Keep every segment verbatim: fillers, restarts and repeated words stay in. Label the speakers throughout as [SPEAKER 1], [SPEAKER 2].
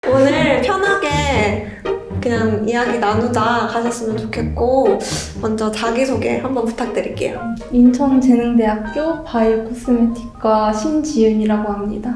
[SPEAKER 1] 오늘 편하게 그냥 이야기 나누자 가셨으면 좋겠고, 먼저 자기소개 한번 부탁드릴게요.
[SPEAKER 2] 인천재능대학교 바이오 코스메틱과 신지윤이라고 합니다.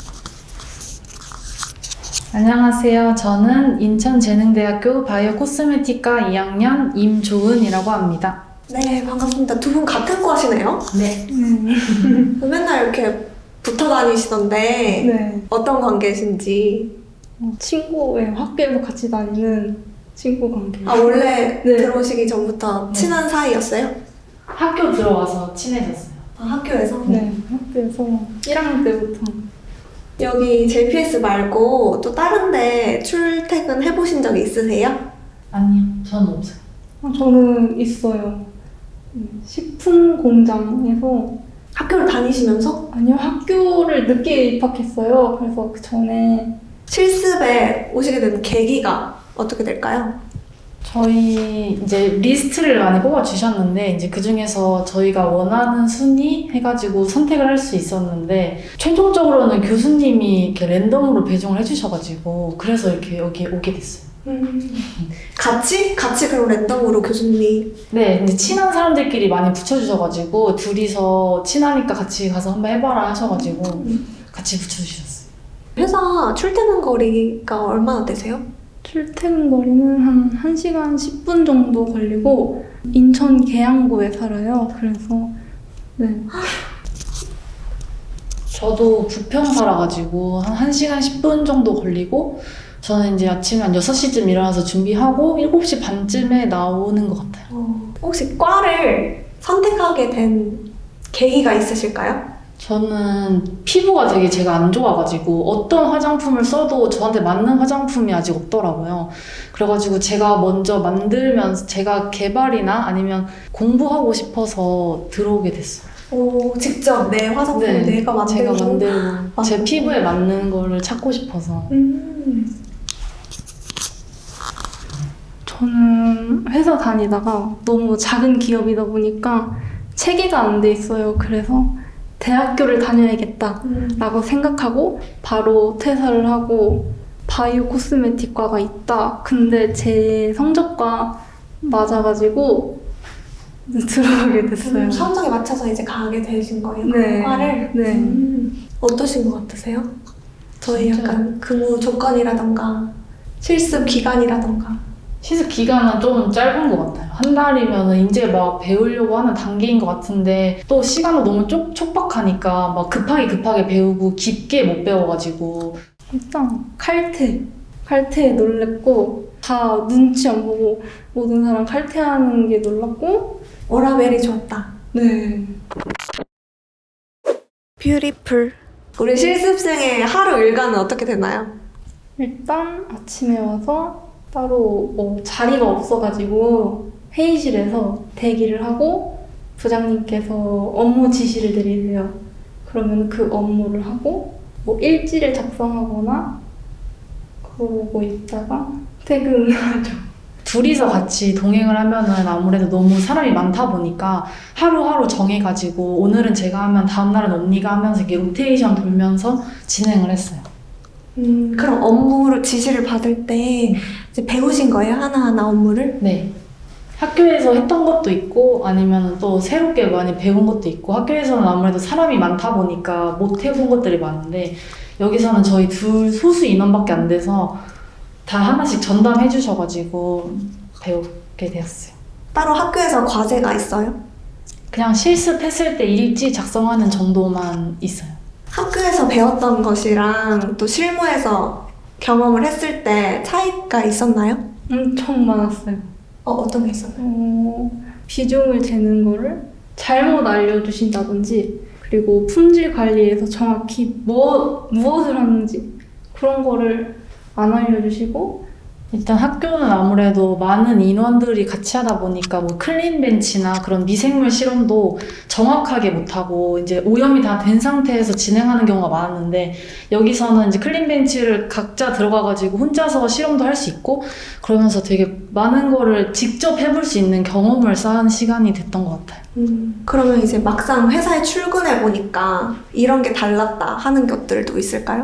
[SPEAKER 3] 안녕하세요. 저는 인천재능대학교 바이오 코스메틱과 이 학년 임조은이라고 합니다.
[SPEAKER 1] 네, 반갑습니다. 두 분 같은 과시네요?
[SPEAKER 3] 네.
[SPEAKER 1] 맨날 이렇게 붙어 다니시던데
[SPEAKER 2] 네.
[SPEAKER 1] 어떤 관계신지.
[SPEAKER 2] 어, 친구예요. 학교에서 같이 다니는 친구 관계.
[SPEAKER 1] 아, 원래
[SPEAKER 2] 네.
[SPEAKER 1] 들어오시기 전부터 친한 사이였어요?
[SPEAKER 3] 학교 들어와서 친해졌어요.
[SPEAKER 1] 아, 학교에서?
[SPEAKER 2] 네, 학교에서 일 학년 때부터.
[SPEAKER 1] 여기 제이피에스 말고 또 다른 데 출퇴근 해보신 적이 있으세요?
[SPEAKER 3] 아니요, 저는 없어요.
[SPEAKER 2] 아, 저는 있어요. 음, 식품 공장에서.
[SPEAKER 1] 학교를 다니시면서?
[SPEAKER 2] 아니요, 학교를 늦게 입학했어요. 그래서 그 전에
[SPEAKER 1] 실습에 오시게 된 계기가 어떻게 될까요?
[SPEAKER 3] 저희 이제 리스트를 많이 뽑아주셨는데 이제 그 중에서 저희가 원하는 순위 해가지고 선택을 할 수 있었는데 최종적으로는 교수님이 이렇게 랜덤으로 배정을 해주셔가지고 그래서 이렇게 여기 오게 됐어요.
[SPEAKER 1] 음. 같이? 같이 그럼 랜덤으로 교수님이.
[SPEAKER 3] 네, 이제 친한 사람들끼리 많이 붙여주셔가지고 둘이서 친하니까 같이 가서 한번 해봐라 하셔가지고 같이 붙여주셨어요.
[SPEAKER 1] 회사 출퇴근 거리가 얼마나 되세요?
[SPEAKER 2] 출퇴근 거리는 한 1시간 십 분 정도 걸리고 인천 계양구에 살아요. 그래서 네.
[SPEAKER 3] 저도 부평 살아가지고 한 1시간 십 분 정도 걸리고 저는 이제 아침에 한 여섯 시쯤 일어나서 준비하고 일곱 시 반쯤에 나오는 것 같아요.
[SPEAKER 1] 어, 혹시 과를 선택하게 된 계기가 있으실까요?
[SPEAKER 3] 저는 피부가 되게 제가 안 좋아가지고 어떤 화장품을 써도 저한테 맞는 화장품이 아직 없더라고요. 그래가지고 제가 먼저 만들면서 제가 개발이나 아니면 공부하고 싶어서 들어오게 됐어요.
[SPEAKER 1] 오, 직접 내 화장품을
[SPEAKER 3] 네,
[SPEAKER 1] 내가 만들고.
[SPEAKER 3] 제가 만들고 제
[SPEAKER 1] 만들고.
[SPEAKER 3] 피부에 맞는 거를 찾고 싶어서.
[SPEAKER 1] 음.
[SPEAKER 2] 저는 회사 다니다가 너무 작은 기업이다 보니까 체계가 안 돼 있어요. 그래서 대학교를 다녀야겠다라고
[SPEAKER 1] 음.
[SPEAKER 2] 생각하고 바로 퇴사를 하고 바이오 코스메틱과가 있다. 근데 제 성적과 맞아가지고 들어가게 됐어요.
[SPEAKER 1] 음, 성적에 맞춰서 이제 가게 되신 거예요?
[SPEAKER 2] 네.
[SPEAKER 1] 그 과를?
[SPEAKER 2] 네.
[SPEAKER 1] 음. 어떠신 것 같으세요? 저희
[SPEAKER 3] 진짜.
[SPEAKER 1] 약간 근무 조건이라던가 실습 기간이라던가.
[SPEAKER 3] 시습 기간은 좀 짧은 것 같아요. 한 달이면 이제 막 배우려고 하는 단계인 것 같은데 또 시간도 너무 쪽, 촉박하니까 막 급하게 급하게 배우고 깊게 못 배워가지고
[SPEAKER 2] 일단 칼퇴. 칼퇴에 놀랬고 다 눈치 안 보고 모든 사람 칼퇴하는 게 놀랐고
[SPEAKER 1] 워라벨이 좋았다.
[SPEAKER 2] 네.
[SPEAKER 1] 뷰티풀. 우리 실습생의 하루 일과는 어떻게 되나요?
[SPEAKER 2] 일단 아침에 와서 따로 뭐 자리가 없어가지고 회의실에서 대기를 하고 부장님께서 업무 지시를 내리세요. 그러면 그 업무를 하고 뭐 일지를 작성하거나 그러고 있다가 퇴근하죠.
[SPEAKER 3] 둘이서 같이 동행을 하면은 아무래도 너무 사람이 많다 보니까 하루하루 정해가지고 오늘은 제가 하면 다음날은 언니가 하면서 이렇게 로테이션 돌면서 진행을 했어요.
[SPEAKER 1] 음, 그럼 업무를 지시를 받을 때 이제 배우신 거예요? 하나하나 업무를?
[SPEAKER 3] 네. 학교에서 했던 것도 있고 아니면 또 새롭게 많이 배운 것도 있고 학교에서는 아무래도 사람이 많다 보니까 못 해본 것들이 많은데 여기서는 저희 둘 소수 인원밖에 안 돼서 다 하나씩 전담해 주셔가지고 배우게 되었어요.
[SPEAKER 1] 따로 학교에서 과제가 있어요?
[SPEAKER 3] 그냥 실습했을 때 일지 작성하는 정도만 있어요.
[SPEAKER 1] 학교에서 배웠던 것이랑 또 실무에서 경험을 했을 때 차이가 있었나요?
[SPEAKER 2] 엄청 많았어요.
[SPEAKER 1] 어, 어떤 게 있었나요?
[SPEAKER 2] 어, 비중을 재는 거를 잘못 알려주신다든지 그리고 품질 관리에서 정확히 뭐, 무엇을 하는지 그런 거를 안 알려주시고
[SPEAKER 3] 일단 학교는 아무래도 많은 인원들이 같이 하다 보니까 뭐 클린 벤치나 그런 미생물 실험도 정확하게 못하고 이제 오염이 다 된 상태에서 진행하는 경우가 많았는데 여기서는 이제 클린 벤치를 각자 들어가가지고 혼자서 실험도 할 수 있고 그러면서 되게 많은 거를 직접 해볼 수 있는 경험을 쌓은 시간이 됐던 것 같아요.
[SPEAKER 1] 음, 그러면 이제 막상 회사에 출근해 보니까 이런 게 달랐다 하는 것들도 있을까요?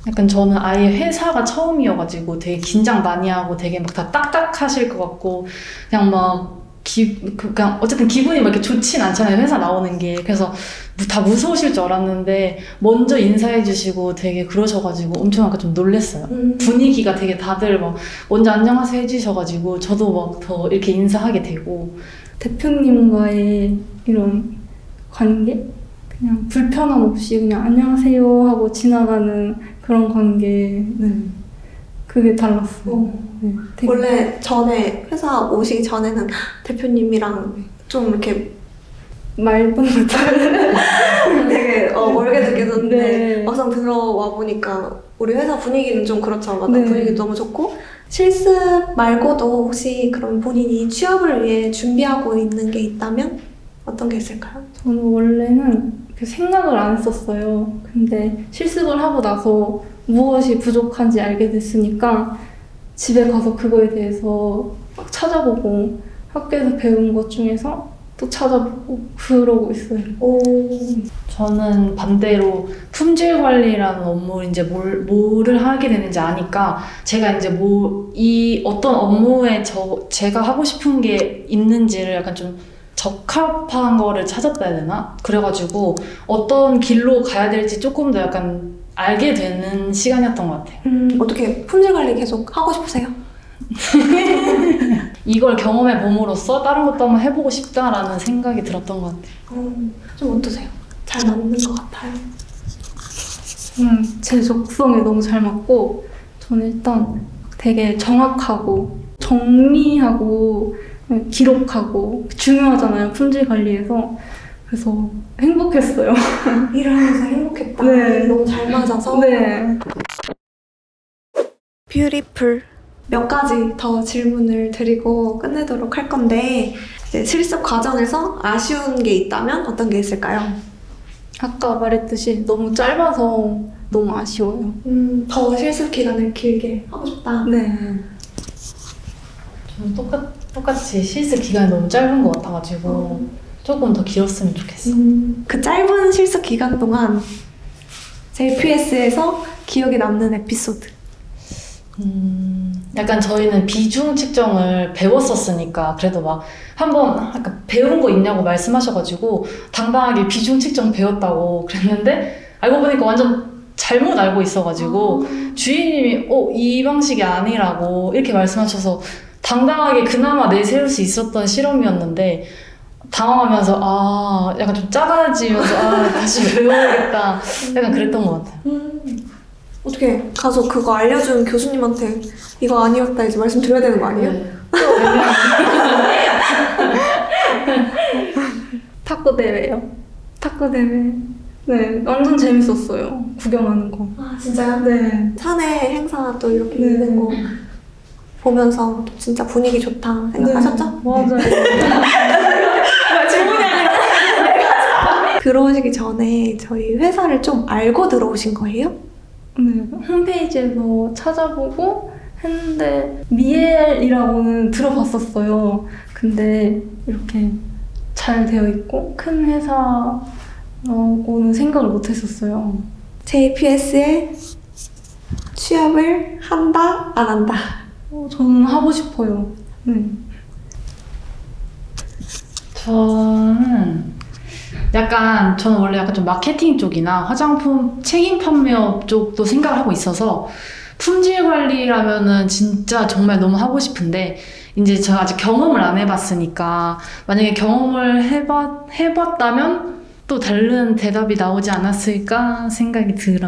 [SPEAKER 3] 약간 저는 아예 회사가 처음이어가지고 되게 긴장 많이 하고 되게 막 다 딱딱하실 것 같고 그냥 막 기, 그- 그냥 어쨌든 기분이 막 이렇게 좋진 않잖아요. 회사 나오는 게. 그래서 무- 다 무서우실 줄 알았는데 먼저 인사해 주시고 되게 그러셔가지고 엄청 약간 좀 놀랬어요.
[SPEAKER 1] 음.
[SPEAKER 3] 분위기가 되게 다들 막 먼저 안녕하세요 해주셔가지고 저도 막 더 이렇게 인사하게 되고
[SPEAKER 2] 대표님과의 이런 관계? 그냥 불편함 없이 그냥 안녕하세요 하고 지나가는 그런 관계. 네. 그게 달랐어요.
[SPEAKER 1] 어.
[SPEAKER 2] 네, 되게
[SPEAKER 1] 원래 전에 회사 오시기 전에는 대표님이랑 좀 이렇게
[SPEAKER 2] 맑은 듯한
[SPEAKER 1] 되게 어, 멀게 느껴졌는데
[SPEAKER 2] 네.
[SPEAKER 1] 막상 들어와 보니까 우리 회사 분위기는 좀 그렇죠. 맞아.
[SPEAKER 2] 네.
[SPEAKER 1] 분위기 너무 좋고 실습 말고도 혹시 그럼 본인이 취업을 위해 준비하고 있는 게 있다면 어떤 게 있을까요?
[SPEAKER 2] 저는 원래는 그 생각을 안 했었어요. 근데 실습을 하고 나서 무엇이 부족한지 알게 됐으니까 집에 가서 그거에 대해서 막 찾아보고 학교에서 배운 것 중에서 또 찾아보고 그러고 있어요.
[SPEAKER 1] 오,
[SPEAKER 3] 저는 반대로 품질 관리라는 업무를 이제 뭘, 뭐를 하게 되는지 아니까 제가 이제 뭐, 이 어떤 업무에 저, 제가 하고 싶은 게 있는지를 약간 좀 적합한 거를 찾았다 해야 되나? 그래가지고 어떤 길로 가야 될지 조금 더 약간 알게 되는 시간이었던 것 같아요.
[SPEAKER 1] 음, 어떻게 품질 관리 계속 하고 싶으세요?
[SPEAKER 3] 이걸 경험해 봄으로써 다른 것도 한번 해보고 싶다라는 생각이 들었던 것 같아요.
[SPEAKER 1] 어, 좀 어떠세요? 잘 맞는 것 같아요.
[SPEAKER 2] 음, 제 적성에 너무 잘 맞고 저는 일단 되게 정확하고 정리하고 기록하고 중요하잖아요. 품질 관리에서. 그래서 행복했어요.
[SPEAKER 1] 일하면서 행복했다.
[SPEAKER 2] 네.
[SPEAKER 1] 너무 잘 맞아서.
[SPEAKER 2] 네.
[SPEAKER 1] 뷰티풀. 몇 가지 더 질문을 드리고 끝내도록 할 건데 이제 실습 과정에서 아쉬운 게 있다면 어떤 게 있을까요?
[SPEAKER 2] 아까 말했듯이 너무 짧아서 너무 아쉬워요.
[SPEAKER 1] 음, 더 실습 기간을 길게 하고 싶다.
[SPEAKER 2] 네.
[SPEAKER 3] 저는 똑같, 똑같이 실습 기간이 너무 짧은 것 같아가지고 조금 더 길었으면 좋겠어요.
[SPEAKER 1] 음, 그 짧은 실습 기간 동안 제이피에스에서 기억에 남는 에피소드.
[SPEAKER 3] 음, 약간 저희는 비중 측정을 배웠었으니까 그래도 막 한번 약간 배운 거 있냐고 말씀하셔가지고 당당하게 비중 측정 배웠다고 그랬는데 알고 보니까 완전 잘못 알고 있어가지고 주인님이 어, 이 방식이 아니라고 이렇게 말씀하셔서 당당하게 그나마 내세울 수 있었던 실험이었는데 당황하면서 아 약간 좀 작아지면서 아 다시 배워야겠다 약간 그랬던 것 같아요.
[SPEAKER 1] 음, 어떻게 가서 그거 알려준 교수님한테 이거 아니었다 이제 말씀드려야 되는 거 아니에요?
[SPEAKER 3] 네.
[SPEAKER 2] 탁구 대회요. 탁구 대회. 네, 완전 재밌었어요. 구경하는 거.
[SPEAKER 1] 아 진짜요?
[SPEAKER 2] 네.
[SPEAKER 1] 사내 행사 또 이렇게
[SPEAKER 2] 네.
[SPEAKER 1] 있는 거 보면서 또 진짜 분위기 좋다 생각하셨죠?
[SPEAKER 2] 네, 맞아요.
[SPEAKER 1] 질문이 아니라 들어오시기 전에 저희 회사를 좀 알고 들어오신 거예요?
[SPEAKER 2] 네, 홈페이지에서 찾아보고 했는데 미엘이라고는 들어봤었어요. 근데 이렇게 잘 되어 있고 큰 회사라고는 생각을 못 했었어요.
[SPEAKER 1] 제이피에스에 취업을 한다 안 한다.
[SPEAKER 2] 어, 저는 하고 싶어요. 네.
[SPEAKER 3] 저는 약간 저는 원래 약간 좀 마케팅 쪽이나 화장품 책임 판매업 쪽도 생각을 하고 있어서 품질 관리라면은 진짜 정말 너무 하고 싶은데 이제 제가 아직 경험을 안 해봤으니까 만약에 경험을 해봤, 해봤다면 또 다른 대답이 나오지 않았을까 생각이 들어요.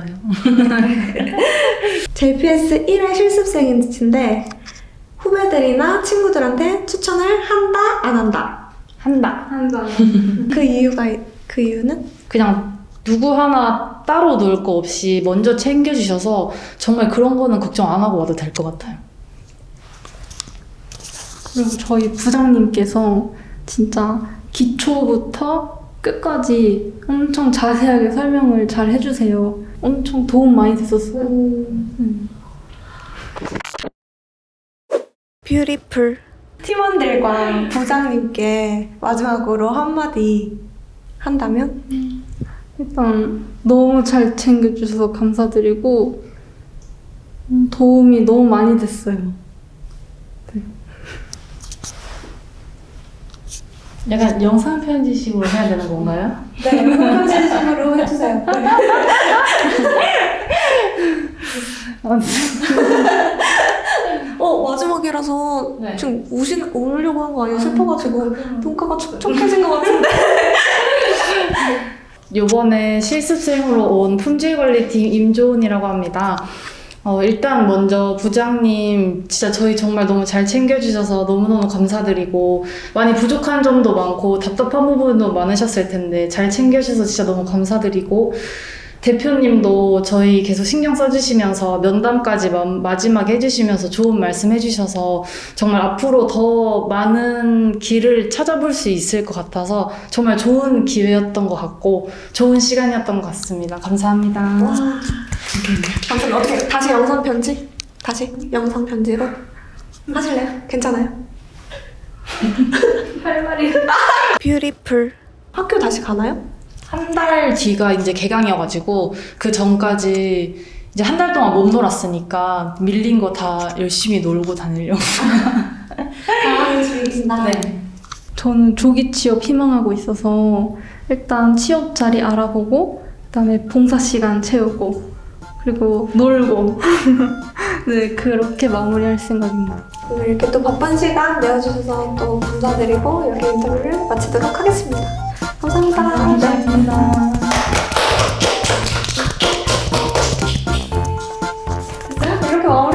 [SPEAKER 1] 제이피에스 일 회 실습생인데 후배들이나 친구들한테 추천을 한다 안 한다.
[SPEAKER 3] 한다.
[SPEAKER 2] 한다.
[SPEAKER 1] 그 이유가 그 이유는?
[SPEAKER 3] 그냥 누구 하나 따로 놀 거 없이 먼저 챙겨주셔서 정말 그런 거는 걱정 안 하고 와도 될 것 같아요.
[SPEAKER 2] 그리고 저희 부장님께서 진짜 기초부터 끝까지 엄청 자세하게 설명을 잘 해주세요. 엄청 도움 많이 됐었어요. 음.
[SPEAKER 1] 뷰티풀. 팀원들과 부장님께 마지막으로 한마디 한다면?
[SPEAKER 2] 일단 너무 잘 챙겨주셔서 감사드리고 음, 도움이 너무 많이 됐어요.
[SPEAKER 3] 약간 영상 편지식으로 해야 되는 건가요?
[SPEAKER 1] 네, 편지식으로 해주세요. 어, 마지막이라서
[SPEAKER 3] 네.
[SPEAKER 1] 지금 우시, 우려고 한 거 아니에요? 슬퍼가지고 눈가가 촉촉해진 것 같은데.
[SPEAKER 3] 요번에 실습생으로 온 품질관리팀 임조은이라고 합니다. 어, 일단 먼저 부장님 진짜 저희 정말 너무 잘 챙겨주셔서 너무너무 감사드리고 많이 부족한 점도 많고 답답한 부분도 많으셨을 텐데 잘 챙겨주셔서 진짜 너무 감사드리고 대표님도 저희 계속 신경 써주시면서 면담까지 마, 마지막에 해주시면서 좋은 말씀 해주셔서 정말 앞으로 더 많은 길을 찾아볼 수 있을 것 같아서 정말 좋은 기회였던 것 같고 좋은 시간이었던 것 같습니다. 감사합니다.
[SPEAKER 1] 와. 아무튼 어떻게 다시 영상 편지? 다시 영상 편지로 하실래요? 괜찮아요?
[SPEAKER 2] 할 말이.
[SPEAKER 1] 뷰티풀 학교 다시 가나요?
[SPEAKER 3] 한 달 뒤가 이제 개강이어가지고 그 전까지 이제 한 달 동안 못 놀았으니까 밀린 거 다 열심히 놀고 다니려고.
[SPEAKER 1] 아, 즐긴다.
[SPEAKER 3] 네.
[SPEAKER 2] 저는 조기 취업 희망하고 있어서 일단 취업 자리 알아보고 그다음에 봉사 시간 채우고 그리고 놀고 네 그렇게 마무리할 생각입니다.
[SPEAKER 1] 오늘 이렇게 또 바쁜 시간 내어주셔서 또 감사드리고 이렇게 인터뷰를 마치도록 하겠습니다. 감사합니다.
[SPEAKER 2] 감사합니다.
[SPEAKER 1] 됐어요? 이렇게 마무리